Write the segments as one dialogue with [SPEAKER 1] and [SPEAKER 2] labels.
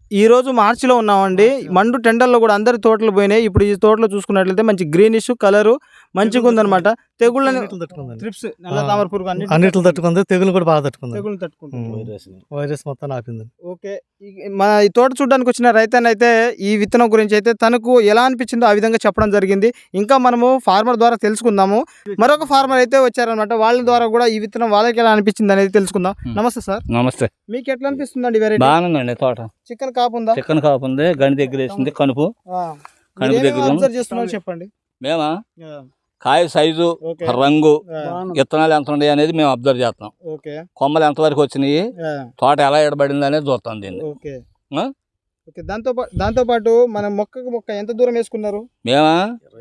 [SPEAKER 1] ఈ రోజు మార్చిలో ఉన్నామండి. మండు టెండర్‌లో గూడా అందరి తోటలు పోయినాయి. ఇప్పుడు ఈ తోటలో చూసుకున్నట్లయితే మంచి గ్రీనిష్ కలరు మంచిగుందనమాట. తెగుళ్ళని
[SPEAKER 2] అన్నిటిని తట్టుకుందండి.
[SPEAKER 1] త్రిప్స్, నల్ల తామర పురుగు
[SPEAKER 2] అన్నిటిని తట్టుకుంది, తెగులు కూడా బాగా తట్టుకుంది.
[SPEAKER 1] తెగుళ్ళని తట్టుకుంటుంది.
[SPEAKER 2] వైరస్ మొత్తం ఆపింది.
[SPEAKER 1] ఓకే. మన ఈ తోట చూడ్డానికి వచ్చిన రైతన్నయితే ఈ విత్తనం గురించి అయితే తనకు ఎలా అనిపించిందో ఆ విధంగా చెప్పడం జరిగింది. ఇంకా మనము ఫార్మర్ ద్వారా తెలుసుకుందాము. మరొక ఫార్మర్ అయితే వచ్చారనమాట. వాళ్ళ ద్వారా కూడా ఈ విత్తనం వాళ్ళకి ఎలా అనిపించింది అనేది తెలుసుకుందాం. నమస్తే సార్.
[SPEAKER 3] నమస్తే.
[SPEAKER 1] మీకు ఎట్లా అనిపిస్తుందండి వెరైటీ?
[SPEAKER 3] బాగానండి తోట.
[SPEAKER 1] చికెన్ కాపు ఉందా?
[SPEAKER 3] చికెన్ కాపు ఉంది, గని దగ్గర వేసింది, కనుపు కనుపు దగ్గర
[SPEAKER 1] అబ్జర్వ్ చేస్తున్నారు చెప్పండి.
[SPEAKER 3] మేమా కాయ సైజు,
[SPEAKER 1] ఓకే.
[SPEAKER 3] రంగు,
[SPEAKER 1] ఆ,
[SPEAKER 3] విత్తనాలు ఎంత ఉన్నాయి అనేది మేము అబ్జర్వ్ చేస్తాం.
[SPEAKER 1] ఓకే.
[SPEAKER 3] కొమ్మలు ఎంతవరకు వచ్చినాయి,
[SPEAKER 1] ఆ,
[SPEAKER 3] తోట ఎలా ఎడబడింది అనేది చూస్తాం దీన్ని.
[SPEAKER 1] ఓకే.
[SPEAKER 3] ఆ?
[SPEAKER 1] ఓకే. దాంతో పాటు మనం మొక్కకు మొక్క ఎంత దూరం వేసుకున్నారు?
[SPEAKER 3] మేమా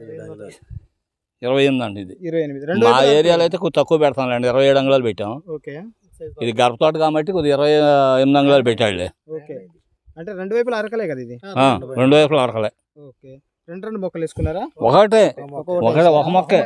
[SPEAKER 3] 28 అండి ఇది.
[SPEAKER 1] 28.
[SPEAKER 3] మా ఏరియాలో అయితే కొద్ది తక్కువ పెడతాంలేండి, 27 అంగుళాలు పెట్టాం.
[SPEAKER 1] ఓకే.
[SPEAKER 3] ఇది గర్భ తోట కాబట్టి కొద్ది 28 అంగుళాలు పెట్టాడులే.
[SPEAKER 1] ఓకే. అంటే రెండు వైపులా అరకలే కదా ఇది?
[SPEAKER 3] రెండు వైపులు అరకలే.
[SPEAKER 1] ఓకే. రెండు మొక్కలు వేసుకున్నారా?
[SPEAKER 3] ఒకటే
[SPEAKER 1] ఒకటి.
[SPEAKER 3] ఒక మొక్కే,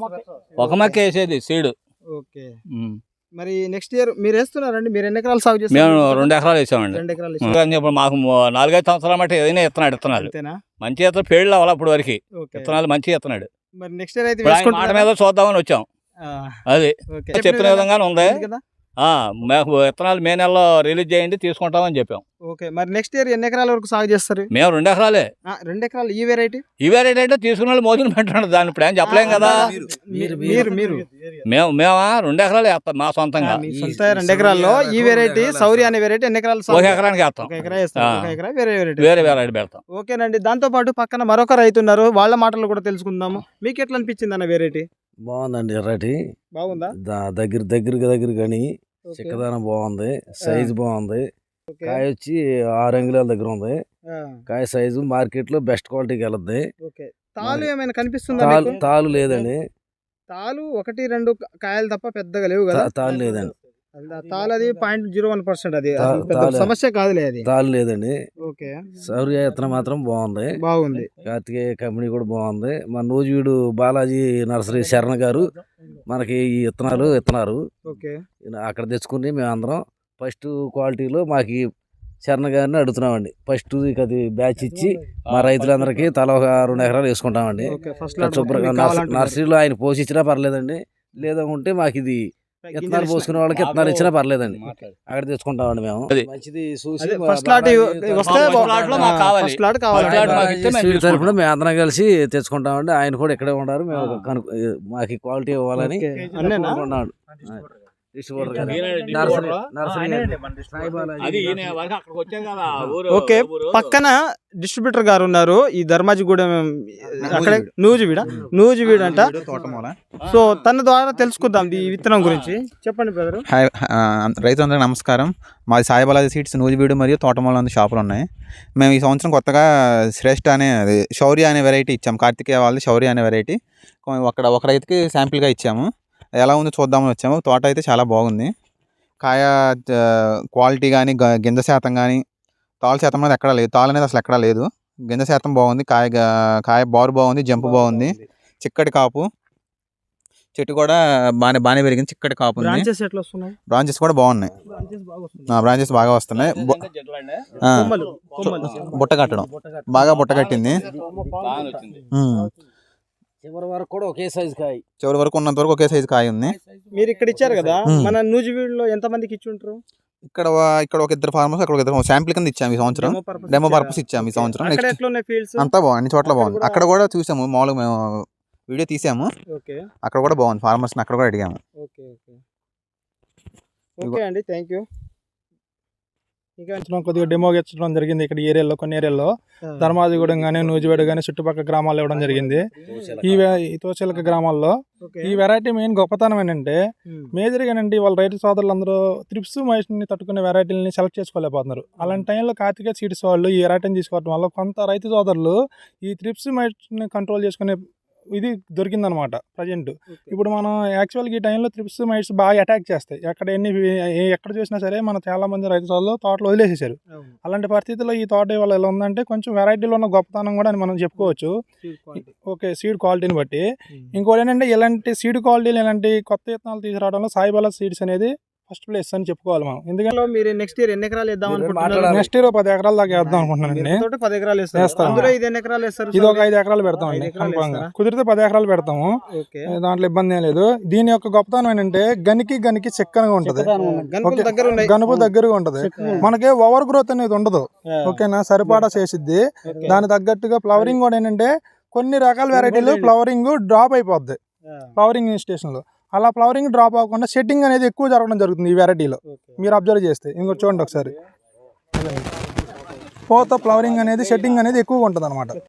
[SPEAKER 3] ఒక మొక్క వేసేది సీడు.
[SPEAKER 1] ఓకే. మరి నెక్స్ట్ ఇయర్ మీరు వేస్తున్నారండి? మీరు ఎన్ని ఎకరాలు సాగు
[SPEAKER 3] మేము
[SPEAKER 1] చేస్తారు?
[SPEAKER 3] 2 ఎకరాలు వేసామండి.
[SPEAKER 1] 2 ఎకరాలు
[SPEAKER 3] ఇంకా ఇప్పుడు మాకు 4-5 సంవత్సరాల మట్టి ఏదైనా ఇత్తనాలు
[SPEAKER 1] అంతేనా?
[SPEAKER 3] మంచి ఇత్తనం పేళ్ళు అవ్వాలి అప్పుడు వరకు.
[SPEAKER 1] ఓకే.
[SPEAKER 3] విత్తనాలు మంచి ఇత్తనాడు.
[SPEAKER 1] మరి నెక్స్ట్ ఇయర్ అయితే
[SPEAKER 3] ఇప్పుడు ఆయన మాట మీద చూద్దామని వచ్చాం. అది
[SPEAKER 1] ఓకే.
[SPEAKER 3] చెప్పిన విధంగానే ఉంది.
[SPEAKER 1] ఉంది కదా?
[SPEAKER 3] మాకు విత్తనాలు మే నెలలో రిలీజ్ చేయండి, తీసుకుంటామని చెప్పాం.
[SPEAKER 1] ఓకే. మరి నెక్స్ట్ ఇయర్ ఎన్ని ఎకరాల వరకు సాగు చేస్తారు?
[SPEAKER 3] మేము 2 ఎకరాలే.
[SPEAKER 1] 2 ఎకరాలు ఈ వెరైటీ?
[SPEAKER 3] ఈ వెరైటీ అంటే తీసుకున్న వాళ్ళు మోదీని పెట్టండి, దాన్ని ఇప్పుడు ఏం చెప్పలేం కదా.
[SPEAKER 1] మీరు
[SPEAKER 3] మేమా 2 ఎకరాలు వేస్తాం మా సొంతంగా.
[SPEAKER 1] మీ సొంత 2 ఎకరాల్లో ఈ వెరైటీ శౌర్య అనే వెరైటీ ఎన్ని ఎకరాలు
[SPEAKER 3] ఒక ఎకరానికి వేస్తాం.
[SPEAKER 1] ఒక ఎకరా వేస్తారు. ఒక ఎకరా వేరే వెరైటీ.
[SPEAKER 3] వేరే వెరైటీ పెడతాం.
[SPEAKER 1] ఓకేనండి. దాంతో పాటు పక్కన మరొక రైతు ఉన్నారు, వాళ్ళ మాటలు కూడా తెలుసుకుందాము. మీకు ఎట్లా అనిపించింది అన్న వెరైటీ?
[SPEAKER 2] బాగుందండి. ఎర్రటి
[SPEAKER 1] బాగుందా?
[SPEAKER 2] దగ్గర కానీ చిక్కదనం బాగుంది, సైజు బాగుంది.
[SPEAKER 1] ఓకే.
[SPEAKER 2] కాయ వచ్చి 6 అంగుళాల దగ్గర ఉంది.
[SPEAKER 1] ఆ,
[SPEAKER 2] కాయ సైజు మార్కెట్ లో బెస్ట్ క్వాలిటీకి వెళ్ళద్ది.
[SPEAKER 1] ఓకే. తాలు ఏమైనా కనిపిస్తుందా
[SPEAKER 2] తాలు
[SPEAKER 1] మీకు?
[SPEAKER 2] తాలు లేదండి.
[SPEAKER 1] తాలు 1-2 కాయలు తప్ప పెద్దగా లేవు కదా?
[SPEAKER 2] తాలు లేదండి.
[SPEAKER 1] తాలు అది 0.01%. అది
[SPEAKER 2] తా-
[SPEAKER 1] పెద్ద
[SPEAKER 2] తాలే.
[SPEAKER 1] సమస్య కాదులే అది.
[SPEAKER 2] తాలు లేదండి.
[SPEAKER 1] ఓకే.
[SPEAKER 2] సౌర్య విత్తనం మాత్రం బాగుంది.
[SPEAKER 1] బాగుంది.
[SPEAKER 2] కార్తికేయ కంపెనీ కూడా బాగుంది. మన నూజివీడు బాలాజీ నర్సరీ శరణ గారు మనకి ఈ విత్తనాలు ఇస్తున్నారు.
[SPEAKER 1] ఓకే.
[SPEAKER 2] అక్కడ తెచ్చుకుని మేము అందరం ఫస్ట్ క్వాలిటీలో మాకు ఈ శరణ గారిని అడుగుతున్నామండి. ఫస్ట్ అది బ్యాచ్ ఇచ్చి మా రైతులందరికీ తల ఒక 2 ఎకరాలు వేసుకుంటామండి.
[SPEAKER 1] ఓకే. ఫస్ట్
[SPEAKER 2] శుభ్రంగా నర్సరీలో ఆయన పోషించినా పర్లేదండి, లేదా ఉంటే మాకు ఇది విత్తనాలు పోసుకునే వాళ్ళకి విత్తనాలు ఇచ్చినా పర్లేదండి, అక్కడ తెచ్చుకుంటామండి మేము.
[SPEAKER 3] అది.
[SPEAKER 2] మంచిది చూసి
[SPEAKER 1] ఫస్ట్ లాట్ వస్తే
[SPEAKER 3] ఫస్ట్ లాట్ లో మాకు కావాలి.
[SPEAKER 1] ఫస్ట్ లాట్
[SPEAKER 3] ఫస్ట్ లాట్
[SPEAKER 1] కావాలి.
[SPEAKER 3] మాకు ఇస్తే మేము
[SPEAKER 2] స్వీట్ తరపున
[SPEAKER 3] తీసుకుంటాం.
[SPEAKER 2] మేము అందరం కలిసి తెచ్చుకుంటామండి. ఆయన కూడా ఇక్కడే ఉన్నారు. మేము మాకు క్వాలిటీ ఇవ్వాలని
[SPEAKER 1] ఓకే. అన్నేనా?
[SPEAKER 2] అనుకుంటున్నాం. డిస్ట్రిబ్యూటర్ గారు.
[SPEAKER 3] ఈయనే
[SPEAKER 2] నర్సరీ
[SPEAKER 3] అది ఈయన వరకు అక్కడికి వచ్చాం కదా, ఊరు
[SPEAKER 1] ఓకే.
[SPEAKER 3] ఊరు.
[SPEAKER 1] పక్కన డిస్ట్రిబ్యూటర్ గారు ఉన్నారు. ఈ ధర్మాజిగూడెం అక్కడే నూజివీడు అంట. సో తన ద్వారా తెలుసుకుందాం ఈ విత్తనం గురించి. చెప్పండి బ్రదర్.
[SPEAKER 4] హాయ్, రైతులందరికీ నమస్కారం. మాది సాయిబాలాజీ సీడ్స్ నూజివీడు మరియు తోటమూల షాపులు ఉన్నాయి. మేము ఈ సంవత్సరం కొత్తగా శ్రేష్ఠ అనే శౌర్య అనే వెరైటీ ఇచ్చాము. కార్తికేయ వాళ్ళది శౌర్య అనే వెరైటీ ఒక రైతుకి శాంపిల్గా ఇచ్చాము. ఎలా ఉందో చూద్దామని వచ్చాము. తోట అయితే చాలా బాగుంది. కాయ క్వాలిటీ కానీ, గింజ శాతం కానీ, తాలు శాతం అనేది ఎక్కడా లేదు. తాలు అనేది అసలు ఎక్కడా లేదు. గింజ శాతం బాగుంది. కాయ బారు బాగుంది, జంపు బాగుంది, చిక్కటి కాపు, చెట్టు కూడా బాగానే పెరిగింది, చిక్కటి కాపు ఉంది.
[SPEAKER 1] బ్రాంచెస్ ఎట్లా వస్తున్నాయి?
[SPEAKER 4] బ్రాంచెస్ కూడా బాగున్నాయి. బ్రాంచెస్ బాగా వస్తున్నాయి. బుట్ట కట్టడం బాగా బుట్ట కట్టింది.
[SPEAKER 2] చివరి వరకు కూడా ఒకే సైజు కాయ.
[SPEAKER 4] చివరి వరకు ఉన్నంత వరకు ఒకే సైజు కాయ ఉంది.
[SPEAKER 1] మీరు ఇక్కడ ఇచ్చారు కదా, మన నూజివీడులో ఎంత మందికి ఇచ్చి ఉంటారు?
[SPEAKER 4] ఇక్కడ ఒక 2 ఫార్మర్స్, అక్కడ ఒక 2 శాంపిల్ కింద ఇచ్చాము ఈ సంవత్సరం. డెమో పర్పస్ ఇచ్చాము ఈ సంవత్సరం.
[SPEAKER 1] అక్కడ
[SPEAKER 4] నెక్స్ట్
[SPEAKER 1] ఎట్లా ఉన్నాయి ఫీల్డ్స్?
[SPEAKER 4] అంతా బాగుంది, అన్ని చోట్ల బాగుంది. అక్కడ కూడా చూసాము, మామూలుగా మేము వీడియో తీసాము.
[SPEAKER 1] ఓకే.
[SPEAKER 4] అక్కడ కూడా బాగుంది. ఫార్మర్స్ అక్కడ కూడా అడిగాము.
[SPEAKER 1] ఓకే. ఓకే. ఓకే అండి, థ్యాంక్ యూ.
[SPEAKER 5] ఇంకా కొద్దిగా డెమో ఇచ్చడం జరిగింది ఇక్కడ ఏరియాలో, కొన్ని ఏరియాలో ధర్మాజిగూడెం కానీ, నూజివీడు కానీ చుట్టుపక్కల గ్రామాల్లో ఇవ్వడం జరిగింది. ఈ తోచలక గ్రామాల్లో ఈ వెరైటీ మెయిన్ గొప్పతనం ఏంటంటే, మేజర్గా ఏంటంటే వాళ్ళ రైతు సోదరులందరూ త్రిప్స్ మైట్ని తట్టుకునే వెరైటీలని సెలెక్ట్ చేసుకోలేకపోతున్నారు. అలాంటి టైంలో కార్తికేయ సీడ్స్ వాళ్ళు ఈ వెరైటీని తీసుకోవడం వల్ల కొంత రైతు సోదరులు ఈ త్రిప్స్ మైట్ని కంట్రోల్ చేసుకునే ఇది దొరికిందనమాట ప్రజెంట్. ఇప్పుడు మనం యాక్చువల్గా ఈ టైంలో త్రిప్స్ మైట్స్ బాగా అటాక్ చేస్తాయి. ఎక్కడ చూసినా సరే మన చాలా మంది రైతు సోదరులు తోటలు వదిలేసేసారు. అలాంటి పరిస్థితుల్లో ఈ తోట వల్ల ఎలా ఉందంటే కొంచెం వెరైటీలో ఉన్న గొప్పతనం కూడా అని మనం చెప్పుకోవచ్చు. ఓకే, సీడ్ క్వాలిటీని బట్టి. ఇంకోటి ఏంటంటే ఇలాంటి సీడ్ క్వాలిటీలు, ఇలాంటి కొత్త విత్తనాలు తీసుకురావడంలో సాయిబాలా సీడ్స్ అనేది ఫస్ట్ ప్లేస్ అని చెప్పుకోవాలి మనం. ఎందుకంటే
[SPEAKER 1] ఇందులో మీరు నెక్స్ట్ ఇయర్ ఎన్ని ఎకరాలు వేద్దాం అనుకుంటున్నారు?
[SPEAKER 2] మాట్లాడాలి.
[SPEAKER 5] నెక్స్ట్ ఇయర్ 10 ఎకరాల దాకా వేద్దాం అనుకుంటున్నానండి.
[SPEAKER 1] తోట 10 ఎకరాలు వేస్తారు.
[SPEAKER 5] వేస్తాం.
[SPEAKER 1] అందులో ఇది ఎన్ని ఎకరాలు వేస్తారు?
[SPEAKER 5] ఇది ఒక 5 ఎకరాలు పెడతామండి
[SPEAKER 1] 5 ఎకరాలు
[SPEAKER 5] కన్ఫామ్గా.
[SPEAKER 1] వేస్తారా?
[SPEAKER 5] కుదిరితే 10 ఎకరాలు పెడతాము.
[SPEAKER 1] ఓకే.
[SPEAKER 5] దాంట్లో ఇబ్బంది ఏం లేదు. దీని యొక్క గొప్పతనం ఏంటంటే గనికి చిక్కనగా ఉంటది,
[SPEAKER 1] గనుపులు దగ్గర ఉన్నాయి.
[SPEAKER 5] గనుపు దగ్గరగా ఉంటది. మనకి ఓవర్ గ్రోత్ అనేది ఉండదు. ఓకేనా, సరిపాడా చేసిద్ది. దాని తగ్గట్టుగా ఫ్లవరింగ్ కూడా ఏంటంటే కొన్ని రకాల వెరైటీలు ఫ్లవరింగ్ డ్రాప్ అయిపోద్ది ఫ్లవరింగ్ స్టేషన్ లో. అలా ఫ్లవరింగ్ డ్రాప్ అవ్వకుండా సెట్టింగ్ అనేది ఎక్కువ జరగడం జరుగుతుంది ఈ వెరైటీలో. మీరు అబ్జర్వ్ చేస్తే ఇంకోటి చూడండి ఒకసారి, పోత ఫ్లవరింగ్ అనేది సెట్టింగ్ అనేది ఎక్కువగా ఉంటుంది అనమాట.